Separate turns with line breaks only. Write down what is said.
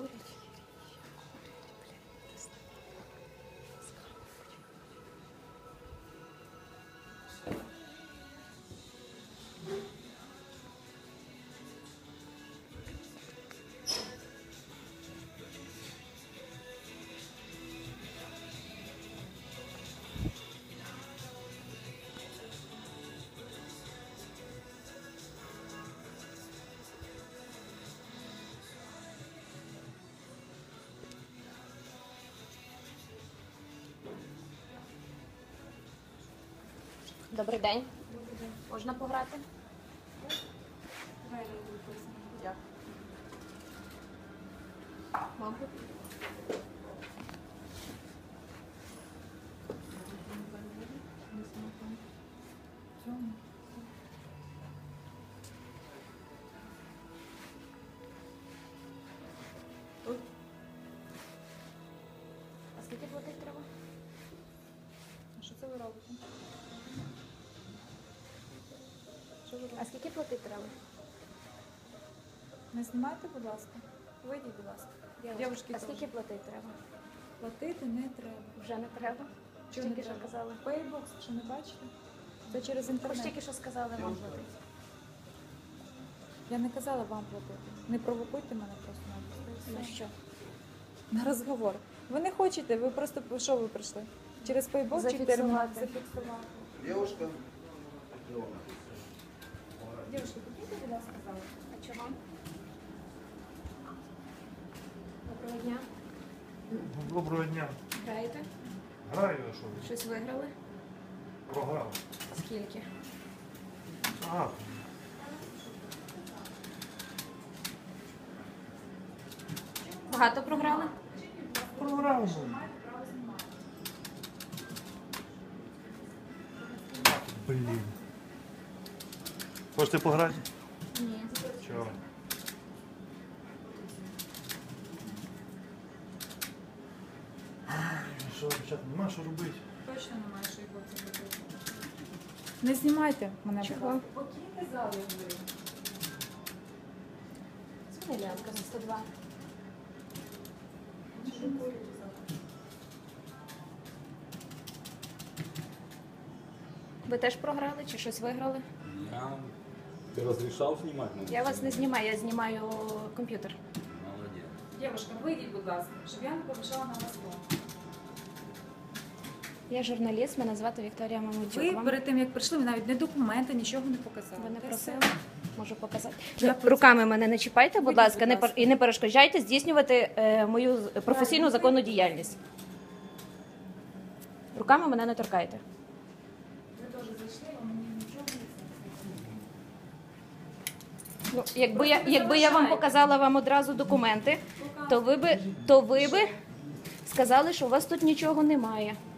курять. Добрий день. Можна пограти? Дякую. Мабуть. А скільки платити треба?
Що це ви робите? Що ви робите?
А скільки платити треба?
Не знімайте, будь ласка. Вийдіть, будь ласка. Дівчатки
А
теж.
скільки платити треба?
Платити не треба.
Вже не треба?
Чого не
Тільки що
треба?
казали.
Пейбокс, що не бачите? Це через
Ви ж
інтернет.
тільки що сказали вам платити.
Я не казала вам платити. Не провокуйте мене просто на
Ну що?
на розговор. Ви не хочете, ви просто що ви прийшли? Через пейбокс чи термінал?
Зафіксувати.
Зафіксувати.
Девушка.
Дівчатки, підійте, будь ласка, зали.
А чого? Доброго дня.
Доброго дня.
Граєте?
Граю, а що ви?
Щось виграли?
Програв.
Скільки?
А,
Багато програли?
програв. Блін. Хочете пограти?
Ні.
Чого? Що, дівчата, нема що робити?
Точно немає, що його це робити. Не знімайте мене, будь
Чого?
ласка. Покиньте залу, я говорю.
Дзвони Лянка на 102. Ви теж програли чи щось виграли?
Ты разрешал снимать?
Я вас не знімаю, я знімаю комп'ютер.
Молодец.
Дівчатка, вийдіть, будь ласка, щоб я не повишала на вас тон.
Я журналіст, мене звати Вікторія Мамутюк.
Ви
Вам-
перед тим, як прийшли, ви навіть не документи, нічого не показали.
Ви не
Та
просили?
все.
Можу показати.
Я
Руками мене не чіпайте, будь
Вийдіть,
ласка,
будь
не
ласка.
і не перешкоджайте здійснювати мою професійну законну діяльність. Руками мене не торкайте.
Ви теж зайшли, а мені нічого не
Ну, якби я вам показала вам одразу документи, то ви би сказали, що у вас тут нічого немає.